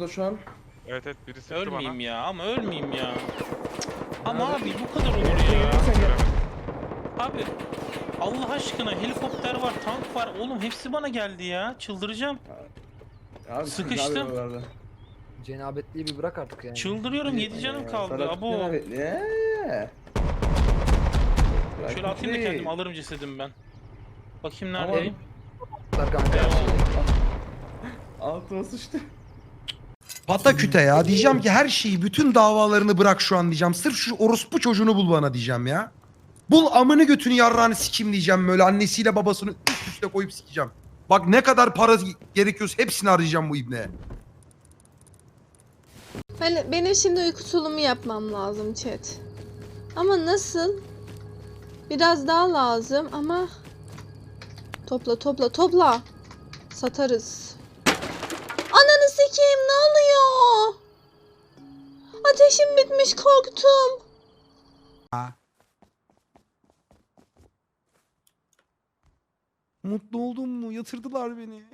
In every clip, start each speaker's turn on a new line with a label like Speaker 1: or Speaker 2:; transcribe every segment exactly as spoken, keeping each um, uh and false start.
Speaker 1: burada şu an.
Speaker 2: Evet evet biri sıktı
Speaker 3: Ölmeyeyim
Speaker 2: bana.
Speaker 3: ya ama ölmeyeyim ya. Ama
Speaker 1: Nerede?
Speaker 3: abi bu kadar olur ya.
Speaker 1: Sen gel.
Speaker 3: Abi Allah aşkına helikopter var, tank var. Oğlum hepsi bana geldi ya. Çıldıracağım.
Speaker 1: Abi,
Speaker 3: Sıkıştım.
Speaker 1: ne yapıyorsun oralarda?
Speaker 4: Cenabetliği bir bırak artık yani.
Speaker 3: Çıldırıyorum. yedi canım
Speaker 1: Ee,
Speaker 3: kaldı.
Speaker 1: Ferhat
Speaker 3: Abo.
Speaker 1: cenabetli. Eee.
Speaker 3: Şöyle atayım da kendim alırım cesedimi ben. Bakayım
Speaker 1: Ama-
Speaker 3: neredeyim.
Speaker 4: Kanka her şey.
Speaker 1: Altıma sıçtı.
Speaker 5: Pataküte ya. Diyeceğim ki her şeyi, bütün davalarını bırak şu an diyeceğim. Sırf şu orospu çocuğunu bul bana diyeceğim ya. Bul amını götünü yarrağını sikeyim diyeceğim böyle. Annesiyle babasını üst üste koyup sikeceğim. Bak ne kadar para gerekiyorsa hepsini arayacağım bu ibneye.
Speaker 6: Ben, benim şimdi uyku tulumu yapmam lazım chat. Ama nasıl? Biraz daha lazım ama... Topla topla topla. Satarız. Ananı sikeyim, ne oluyor? Ateşim bitmiş, korktum.
Speaker 5: Mutlu oldum mu? Yatırdılar beni.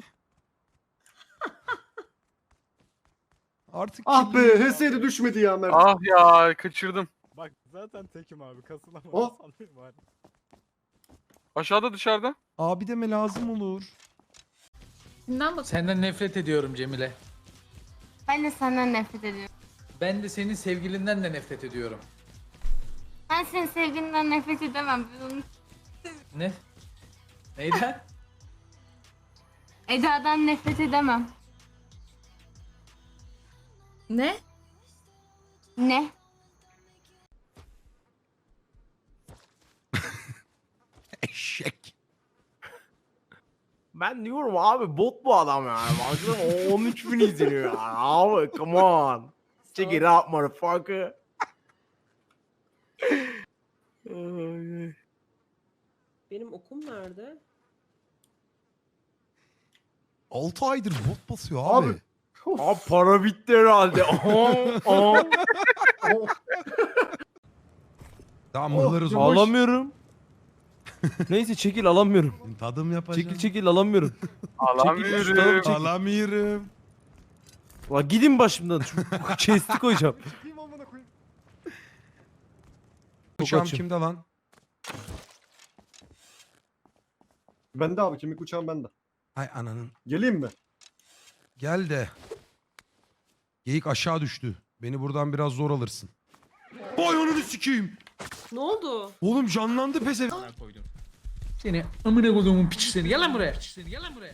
Speaker 5: Artık
Speaker 7: Ah be,
Speaker 5: kimliğim-
Speaker 7: H S'de düşmedi ya Mert.
Speaker 2: Ah ya kaçırdım.
Speaker 8: Bak zaten tekim abi kasılamam.
Speaker 7: Oh.
Speaker 8: Sallayayım bari.
Speaker 2: Aşağıda dışarıda.
Speaker 5: Abi deme lazım olur.
Speaker 9: Kimden bak? Senden nefret ediyorum Cemile.
Speaker 10: Ben de senden nefret ediyorum.
Speaker 9: Ben de senin sevgilinden de nefret ediyorum.
Speaker 10: Ben senin sevgilinden nefret edemem. Ben onu
Speaker 9: Ne? Neyden?
Speaker 10: Eda'dan nefret edemem.
Speaker 6: Ne?
Speaker 10: Ne?
Speaker 5: Eşek.
Speaker 7: Ben diyorum abi bot bu adam yani. Baksana on üç bin izleniyor yani. Abi come on. Check it out motherfucker.
Speaker 11: Benim okum nerede?
Speaker 5: altı aydır bot basıyor abi.
Speaker 7: Abi. Abi para bitti herhalde. Aa, aa.
Speaker 5: Tamam mıhlarız oh,
Speaker 7: Alamıyorum. Neyse çekil alamıyorum.
Speaker 5: Tadım yapacağım.
Speaker 7: Çekil çekil alamıyorum.
Speaker 2: Alamıyorum.
Speaker 7: Çekil.
Speaker 5: Alamıyorum.
Speaker 7: La gidin başımdan. Şu chest'i koyacağım.
Speaker 5: Uçağım
Speaker 7: açım.
Speaker 5: kimde lan?
Speaker 7: Bende abi kemik uçağım bende.
Speaker 5: Ay ananın.
Speaker 7: Geleyim mi?
Speaker 5: Gel de. Geyik aşağı düştü. Beni buradan biraz zor alırsın. Vay ananı sikeyim.
Speaker 11: Ne oldu?
Speaker 5: Oğlum canlandı pese.
Speaker 9: Koydum. Seni amına koyduğumun piçi seni. Gel lan buraya. Piçi seni. Gel lan buraya.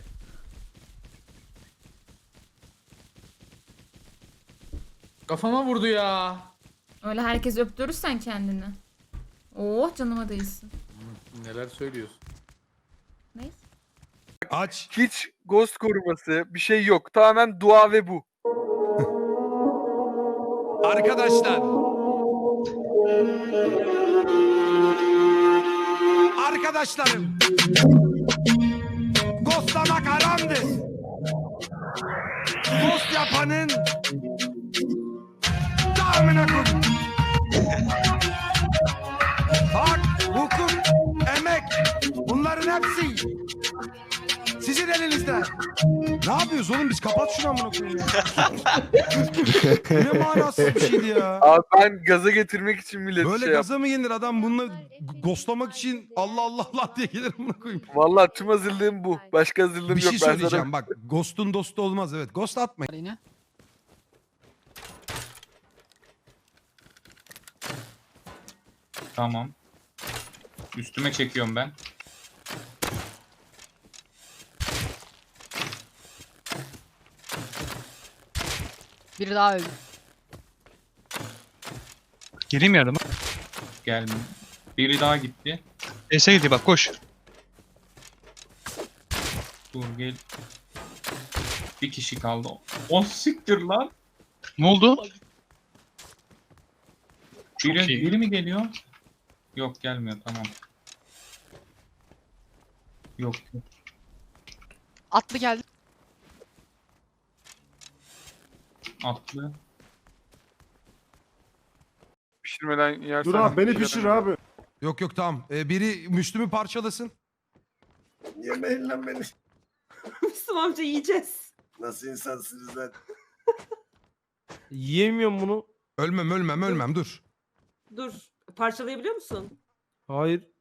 Speaker 9: Kafama vurdu ya.
Speaker 6: Öyle herkes öptürürsen kendini. Oh, canıma değilsin.
Speaker 9: Neler söylüyorsun?
Speaker 6: Neyse.
Speaker 5: Aç.
Speaker 2: Hiç ghost koruması bir şey yok. Tamamen dua ve bu.
Speaker 5: Arkadaşlar. Arkadaşlarım. Ghostlamak haramdır. Ghost yapanın damına koy. Hak, hukuk, emek bunların hepsi sizin elinizde. Ne yapıyoruz oğlum biz? Kapat şunu amına koyayım ya. Ne manasız bir şeydi ya.
Speaker 2: Abi ben gaza getirmek için millet
Speaker 5: Böyle
Speaker 2: şey yap.
Speaker 5: gaza mı gelir adam bununla g- ghostlamak için Allah Allah Allah diye gelir amına koyayım.
Speaker 2: Vallahi tüm hazırlığım bu. Başka hazırlığım
Speaker 5: Bir
Speaker 2: yok.
Speaker 5: şey
Speaker 2: Ben
Speaker 5: söyleyeceğim
Speaker 2: sana-
Speaker 5: bak ghost'un dostu olmaz evet. Ghost atmayın.
Speaker 3: Tamam. Üstüme çekiyorum ben.
Speaker 9: Biri daha öldü.
Speaker 8: Gireyim yardıma.
Speaker 3: Gel. Biri daha gitti.
Speaker 8: E'se gidiyor bak koş.
Speaker 3: Dur gel. Bir kişi kaldı. O siktir lan.
Speaker 8: Ne oldu? Çok
Speaker 3: Biri,
Speaker 8: iyi.
Speaker 3: biri mi geliyor? Yok gelmiyor tamam. Yok. yok.
Speaker 9: Atlı geldi.
Speaker 3: Atlı.
Speaker 2: Pişirmeden yersen.
Speaker 7: Dur abi beni pişir abi.
Speaker 5: Yok yok tamam. Ee, biri Müslüm'ü parçalasın.
Speaker 7: Yemeyin lan beni.
Speaker 11: Müslüm amca yiyeceğiz.
Speaker 7: Nasıl insansınız lan? Yiyemiyorum bunu.
Speaker 5: Ölmem ölmem ölmem dur.
Speaker 11: Dur. Parçalayabiliyor musun?
Speaker 7: Hayır.